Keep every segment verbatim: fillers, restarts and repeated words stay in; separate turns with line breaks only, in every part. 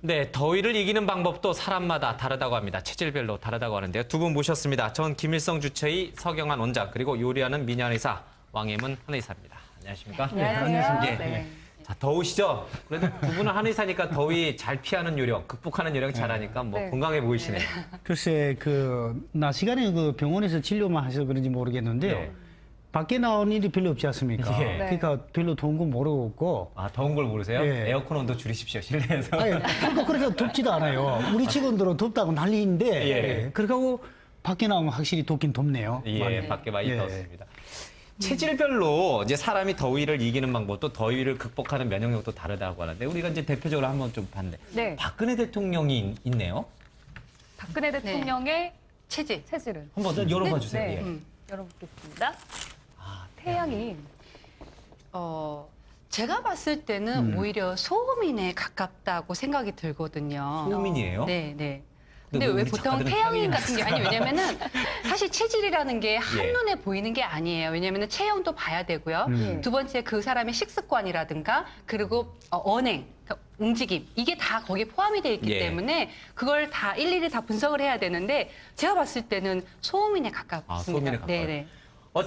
네, 더위를 이기는 방법도 사람마다 다르다고 합니다. 체질별로 다르다고 하는데요. 두 분 모셨습니다. 전 김일성 주치의 서경환 원장, 그리고 요리하는 민현 의사, 왕혜문 한의사입니다. 안녕하십니까?
네, 안녕하세요.
예.
네.
자, 더우시죠? 그래도 두 분은 한의사니까 더위 잘 피하는 요령, 극복하는 요령 잘하니까 뭐
네.
건강해 보이시네요.
글쎄, 그, 낮 시간에 그 병원에서 진료만 하셔서 그런지 모르겠는데요.
네.
밖에 나온 일이 별로 없지 않습니까?
예.
네.
그러니까 별로 더운 건 모르고.
아, 더운 걸 모르세요?
예.
에어컨 온도 줄이십시오, 실내에서.
아니, 그러니까 그렇게 덥지도 않아요. 우리 직원들은 덥다고 난리인데.
예.
그렇게 하고 밖에 나오면 확실히 덥긴 덥네요.
예,
많이.
밖에 많이
예.
더웠습니다. 체질별로 이제 사람이 더위를 이기는 방법도 더위를 극복하는 면역력도 다르다고 하는데 우리가 이제 대표적으로 한번 좀 봤는데
네.
박근혜 대통령이 있- 있네요.
박근혜 대통령의 체질. 체질을.
한번 좀 열어봐 주세요.
네.
예.
음, 열어보겠습니다.
아,
태양이
어, 제가 봤을 때는
음.
오히려 소음인에 가깝다고 생각이 들거든요.
소음인이에요?
네, 네.
근데
근데
왜
왜
우리
보통
작가들은
태양인
태양인이나
같은 게 아니 왜냐면은 사실 체질이라는 게
예.
한눈에 보이는 게 아니에요. 왜냐면은 체형도 봐야 되고요.
음.
두 번째 그 사람의 식습관이라든가 그리고 어, 언행, 그러니까 움직임 이게 다 거기에 포함이 돼 있기
예.
때문에 그걸 다 일일이 다 분석을 해야 되는데 제가 봤을 때는 소음인에 가깝습니다.
아, 소음인에 가까워요.
네, 네.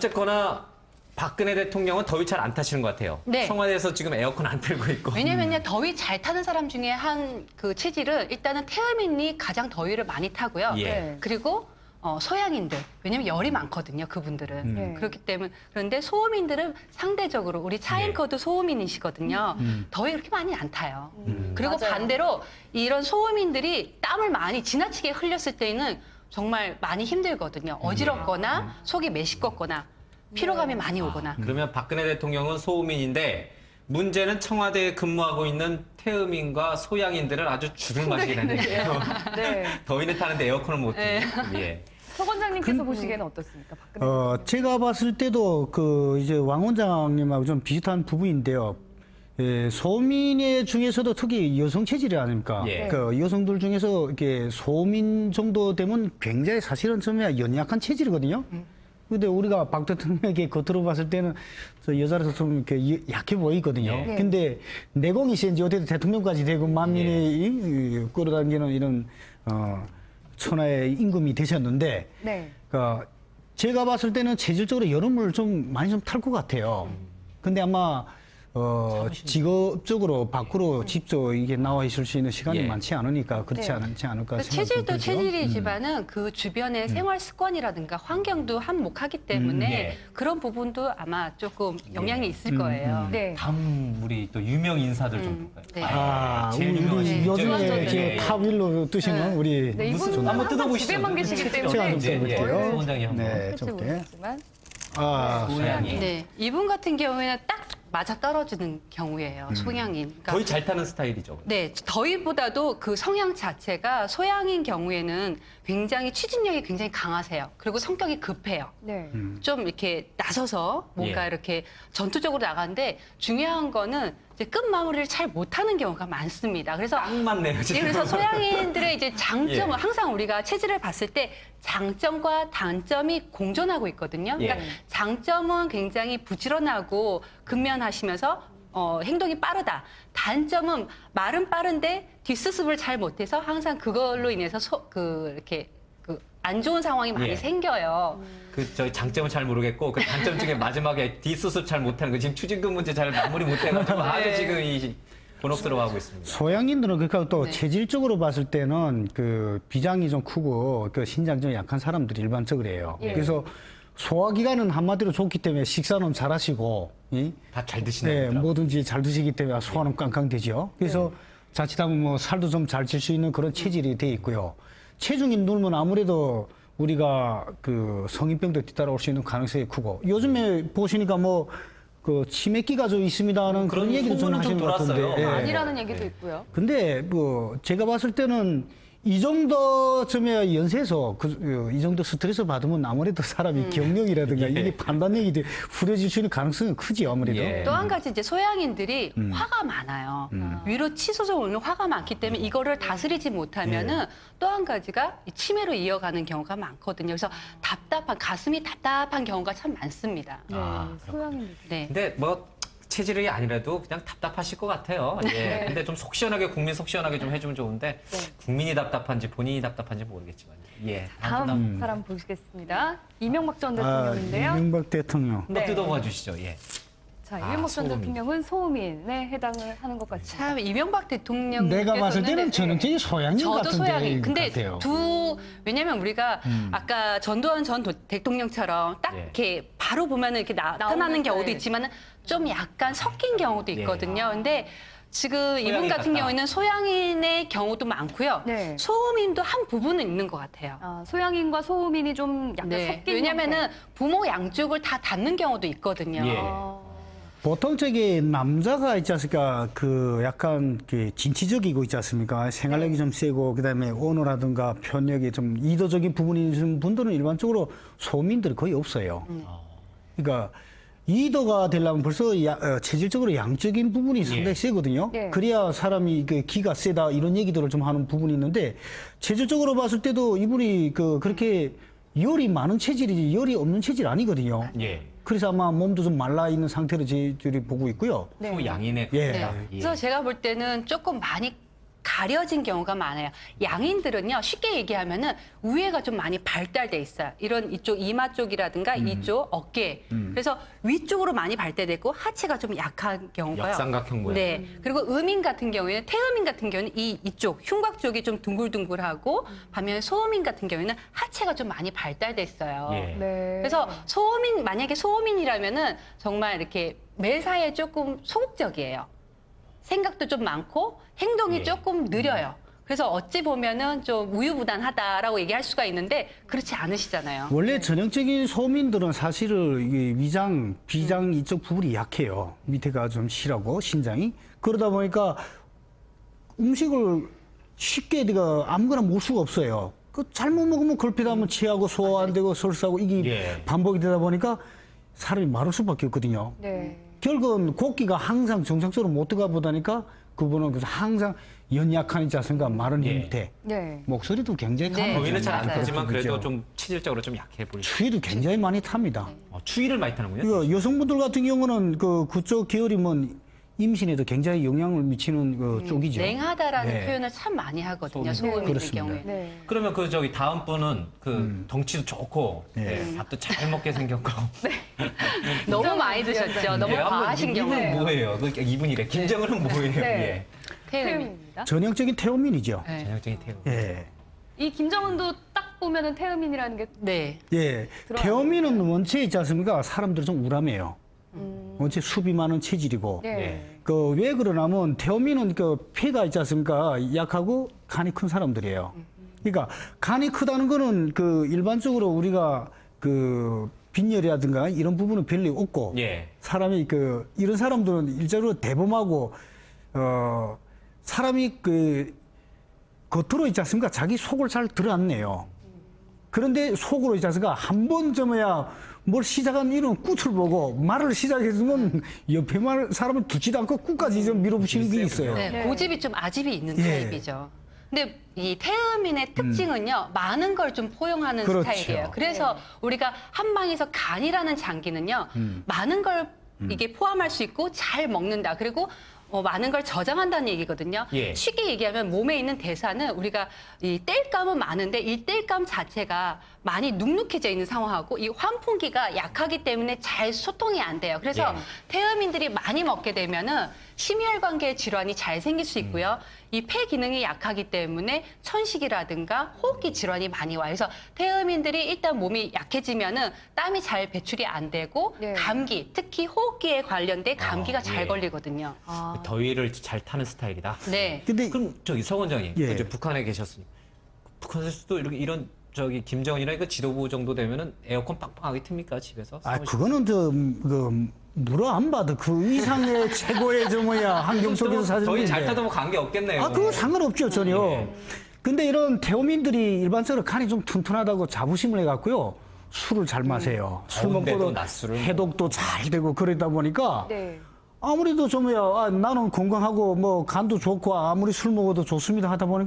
어쨌거나 박근혜 대통령은 더위 잘 안 타시는 것 같아요.
네.
청와대에서 지금 에어컨 안 틀고 있고.
왜냐면요 더위 잘 타는 사람 중에 한 그 체질은 일단은 태음인이 가장 더위를 많이 타고요.
예.
네.
그리고 어, 소양인들 왜냐면 열이 많거든요 그분들은
음.
네.
그렇기 때문에 그런데 소음인들은 상대적으로 우리 차앵커도 소음인이시거든요.
음.
더위 그렇게 많이 안 타요.
음.
그리고
맞아요.
반대로 이런 소음인들이 땀을 많이 지나치게 흘렸을 때는 정말 많이 힘들거든요. 어지럽거나 속이 메시껍거나 피로감이 많이 오거나.
아, 그러면 박근혜 대통령은 소음인인데 문제는 청와대에 근무하고 있는 태음인과 소양인들은 아주 죽을 맛이게 되는데요.
네.
더위는 타는데 에어컨을 못
네.
틀고. 예.
서 원장님께서 보시기에는 어떻습니까? 박근혜
어, 제가 봤을 때도 그 이제 왕 원장님하고 좀 비슷한 부분인데요. 예, 소민의 중에서도 특히 여성 체질이 아닙니까?
예.
그 여성들 중에서 이렇게 소민 정도 되면 굉장히 사실은 처음에 연약한 체질이거든요. 근데 우리가 박 대통령에게 겉으로 봤을 때는 저 여자라서 좀 이렇게 이- 약해 보이거든요.
예.
근데 내공이 이제 어떻게 대통령까지 되고 만민이 이- 이 끌어당기는 이런 어, 천하의 임금이 되셨는데
네.
그러니까 제가 봤을 때는 체질적으로 여름을 좀 많이 좀 탈 것 같아요. 근데 아마 어, 직업적으로 밖으로 직접 이게 나와 있을 수 있는 시간이
예.
많지 않으니까 그렇지
네.
않지 않을까
그
생각이
체질도
들죠.
체질이지만은 그 주변의 생활 습관이라든가 환경도 한몫하기 때문에
음, 예.
그런 부분도 아마 조금 영향이
예.
있을 거예요.
음.
네.
다음 우리 또 유명 인사들 좀
음,
볼까요?
네.
아,
제일
우리
유명하신
우리 요즘에
유명하죠.
이제
예, 예.
탑 일로 뜨시는 우리
네,
무슨
이분은
한번
항상
뜯어보시죠.
집에만 계시기
제가
때문에
좀
예, 예.
써볼게요.
소 원장이 한번.
네,
할지
좀 이렇게.
모르겠지만
아,
소양이.
네, 이분 같은 경우에는 딱 맞아 떨어지는 경우예요. 소양인. 그러니까
더위 잘 타는 스타일이죠.
네, 더위보다도 그 성향 자체가 소양인 경우에는 굉장히 추진력이 굉장히 강하세요. 그리고 성격이 급해요.
네.
음.
좀 이렇게 나서서 뭔가
예.
이렇게 전투적으로 나가는데 중요한 거는 이제 끝 마무리를 잘 못하는 경우가 많습니다. 그래서
딱 맞네요,
예,
지금.
그래서 소양인들의 이제 장점은
예.
항상 우리가 체질을 봤을 때 장점과 단점이 공존하고 있거든요. 그러니까
예.
장점은 굉장히 부지런하고 근면하시면서 어, 행동이 빠르다. 단점은 말은 빠른데 뒷수습을 잘 못해서 항상 그걸로 인해서 소, 그 이렇게 그 안 좋은 상황이 많이
예.
생겨요.
그 저희 장점은 잘 모르겠고 그 단점 중에 마지막에 뒷수습 잘 못하는 거 지금 추진금 문제 잘 마무리 못해가지고 아주 지금 이 곤혹스러워하고 있습니다.
소양인들은 그러니까 또
네.
체질적으로 봤을 때는 그 비장이 좀 크고 그 신장 좀 약한 사람들이 일반적으로 해요.
예.
그래서 소화기관은 한마디로 좋기 때문에 식사는 잘하시고, 이?
다 잘
네,
드시네요.
뭐든지 잘 드시기 때문에 소화는 깡깡되죠. 그래서 자칫하면 뭐 살도 좀 잘 찔 수 있는 그런 체질이 돼 있고요. 체중이 늘면 아무래도 우리가 그 성인병도 뒤따라올 수 있는 가능성이 크고 요즘에 보시니까 뭐 그 치매기가 좀 있습니다는 그런
그런
얘기도 좀
소문은 좀
하시는 것 같은데.
돌았어요.
예.
아니라는 얘기도
네.
있고요.
근데 뭐 제가 봤을 때는 이 정도쯤에 연세에서 그, 이 정도 스트레스 받으면 아무래도 사람이 경력이라든가
예.
이게 판단력이 돼 후려질 수 있는 가능성이 크지 아무래도.
예.
또 한 가지 이제 소양인들이
음.
화가 많아요.
음.
위로 치솟아 오는 화가 많기 때문에 이거를 다스리지 못하면은
예.
또 한 가지가 이 치매로 이어가는 경우가 많거든요. 그래서 답답한 가슴이 답답한 경우가 참 많습니다.
네.
아,
소양인들.
네.
근데 뭐 체질이 아니라도 그냥 답답하실 것 같아요. 예. 근데 좀 속 시원하게 국민 속 시원하게 좀 해주면 좋은데
네.
국민이 답답한지 본인이 답답한지 모르겠지만 예.
다음
다음
사람 보시겠습니다. 이명박 전
아,
대통령인데요.
이명박 대통령.
네.
뜯어봐 주시죠. 예.
자,
아,
이명박 전
소음인.
대통령은 소음인에 해당을 하는 것 같습니다.
참 이명박 대통령
내가 봤을 때는 전형적인 소양인
저도
같은데
소양이. 근데
같아요.
두 왜냐면 우리가 아까 전두환 전 도- 대통령처럼 딱
예.
이렇게 바로 보면은 이렇게 나타나는
나오는
경우도
스타일.
있지만은 좀 약간 섞인 경우도
예.
있거든요. 근데 지금 이분
소양인
같은
같다.
경우에는 소양인의 경우도 많고요.
네.
소음인도 한 부분은 있는 것 같아요.
아, 소양인과 소음인이 좀 약간
네.
섞인
왜냐면은
형태.
부모 양쪽을 다 닫는 경우도 있거든요.
예.
아,
보통 저기 남자가 있지 않습니까? 그 약간 그 진취적이고 있지 않습니까? 생활력이 좀 세고 그다음에 언어라든가 편력이 좀 이도적인 부분이 있는 분들은 일반적으로 소민들이 거의 없어요. 그러니까 이도가 되려면 벌써 야- 어, 체질적으로 양적인 부분이 상당히
예.
세거든요.
예.
그래야 사람이 그 기가 세다 이런 얘기들을 좀 하는 부분이 있는데 체질적으로 봤을 때도 이분이 그 그렇게 열이 많은 체질이지 열이 없는 체질 아니거든요.
예.
그래서 아마 몸도 좀 말라 있는 상태로 저희들이 보고 있고요.
네.
소양인의
예.
겁니다.
네.
예.
그래서 제가 볼 때는 조금 많이 가려진 경우가 많아요. 양인들은요, 쉽게 얘기하면은 우회가 좀 많이 발달돼 있어요. 이런 이쪽 이마 쪽이라든가 이쪽 어깨. 그래서 위쪽으로 많이 발달됐고 하체가 좀 약한 경우가요.
역삼각형 모양.
네. 그리고 음인 같은 경우에는 태음인 같은 경우는 이 이쪽 흉곽 쪽이 좀 둥글둥글하고 반면에 소음인 같은 경우에는 하체가 좀 많이 발달돼 있어요.
예.
네.
그래서 소음인 만약에 소음인이라면은 정말 이렇게 매사에 조금 소극적이에요. 생각도 좀 많고 행동이
예.
조금 느려요. 그래서 어찌 보면은 좀 우유부단하다라고 얘기할 수가 있는데 그렇지 않으시잖아요.
원래 전형적인 소민들은 사실은 이게 위장, 비장 이쪽 부분이 약해요. 밑에가 좀 실하고 신장이. 그러다 보니까 음식을 쉽게 내가 아무거나 먹을 수가 없어요. 그 잘못 먹으면 걸핏하면 취하고 소화 안 되고 설사하고 이게
예.
반복이 되다 보니까 사람이 마를 수밖에 없거든요.
네.
결국은 곡기가 항상 정상적으로 못 들어가 보다니까 그분은 그래서 항상 연약한 있지 않습니까? 마른
예.
형태.
네.
목소리도 굉장히
네.
강하죠.
더위는 잘 안
맞아요.
타지만 그래도
그렇죠.
좀 체질적으로 좀 약해 보이죠.
추위도 굉장히 많이 탑니다.
어, 추위를 많이 타는군요.
이거 여성분들 같은 경우는 그 그쪽 계열이면 임신에도 굉장히 영향을 미치는 그 쪽이죠.
냉하다라는
네.
표현을 참 많이 하거든요.
소음.
소음인의
그렇습니다.
경우에.
네.
그러면 그 저기 다음 분은 그 덩치도 좋고
네.
예, 밥도 잘 먹게 생겼고
너무 많이 드셨죠. 너무
예, 한번
과하신
이분은
경우에요.
뭐예요? 그 이분이래. 김정은은 뭐예요?
네.
태음인.
태음입니다.
전형적인 태음인이죠.
예.
네.
전형적인 태우.
예.
이 김정은도 딱 보면은 태음인이라는 게
네.
예. 태음인은 원체 있지 않습니까? 사람들은 좀 우람해요. 원체 수비 많은 체질이고.
네.
예.
그 왜 그러냐면 태음인은 그 폐가 있지 않습니까? 약하고 간이 큰 사람들이에요. 그러니까 간이 크다는 거는 그 일반적으로 우리가 그 빈혈이라든가 이런 부분은 별로 없고
예.
사람이 그 이런 사람들은 일자로 대범하고 어 사람이 그 겉으로 있지 않습니까? 자기 속을 잘 드러안네요. 그런데 속으로 있지 않습니까? 한 번 점어야 뭘 시작한 이런 꾹을 보고 말을 시작했으면 옆에 말 사람은 두지도 않고 꾹까지 좀 밀어붙이는 게 있어요.
네,
네.
고집이 좀 아집이 있는
예.
타입이죠. 근데 이 태음인의 특징은요, 많은 걸 좀 포용하는
그렇죠.
스타일이에요. 그래서 우리가 한방에서 간이라는 장기는요, 많은 걸 이게 포함할 수 있고 잘 먹는다. 그리고 어, 많은 걸 저장한다는 얘기거든요.
예.
쉽게 얘기하면 몸에 있는 대사는 우리가 이 땔감은 많은데 이 땔감 자체가 많이 눅눅해져 있는 상황하고 이 환풍기가 약하기 때문에 잘 소통이 안 돼요. 그래서
예.
태음인들이 많이 먹게 되면은 심혈관계 질환이 잘 생길 수 있고요. 이 폐 기능이 약하기 때문에 천식이라든가 호흡기 질환이 많이 와요. 그래서 태음인들이 일단 몸이 약해지면은 땀이 잘 배출이 안 되고
네.
감기, 특히 호흡기에 관련된 감기가
아,
잘
예.
걸리거든요.
아,
더위를 잘 타는 스타일이다.
네.
근데
그럼 저기 서 원장님,
예.
이제 북한에 계셨으니까 북한에서도 이렇게 이런 저기 김정은이나 그 지도부 정도 되면은 에어컨 빵빵하게 틉니까 집에서?
아
사무실?
그거는 저그 물어 안 봐도 그 이상의 최고의 저 뭐야 환경 속에서 사는
더위 잘
건데.
타도 뭐 관계 없겠네요.
아, 그거 상관없죠, 전혀.
예.
근데 이런 태호민들이 일반적으로 간이 좀 튼튼하다고 자부심을 해갖고요. 술을 잘 마세요. 술
더운데도
먹고도
낮술을
해독도 잘 되고 그러다 보니까
네.
아무래도 좀 뭐야, 아, 나는 건강하고 뭐 간도 좋고 아무리 술 먹어도 좋습니다 하다 보니까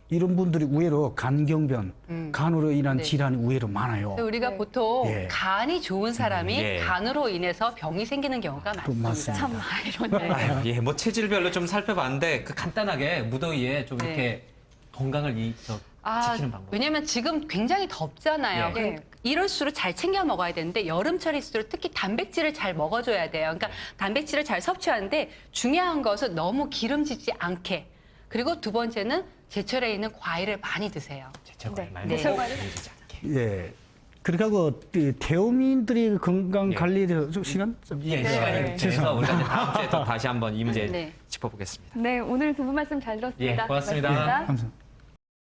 이런 분들이 의외로 간경변, 간으로 인한
네.
질환이 의외로 많아요.
그래서 우리가
네.
보통
예.
간이 좋은 사람이
예.
간으로 인해서 병이 생기는 경우가 많습니다.
맞습니다.
참 아이러니해요.
아유, 예, 뭐 체질별로 좀 살펴봤는데 그 간단하게 무더위에 좀
네.
이렇게 건강을 이, 저,
아,
지키는 방법.
왜냐면 지금 굉장히 덥잖아요.
예.
그럼
네.
이럴수록 잘 챙겨 먹어야 되는데 여름철일수록 특히 단백질을 잘 먹어줘야 돼요. 그러니까 단백질을 잘 섭취하는데 중요한 것은 너무 기름지지 않게. 그리고 두 번째는 제철에 있는 과일을 많이 드세요.
제철
네.
많이
네.
먹고
제철
힘들지 않게.
예. 그렇게 하고 이 태어민들이 건강
예.
관리에 대해서 좀 시간 좀
예,
네.
시간이
네.
돼서 우리가 이제 다음 주에 또 다시 한번 이 문제
네.
짚어보겠습니다.
네, 오늘 두 분 말씀 잘 들었습니다.
예, 고맙습니다.
고맙습니다.
감사합니다.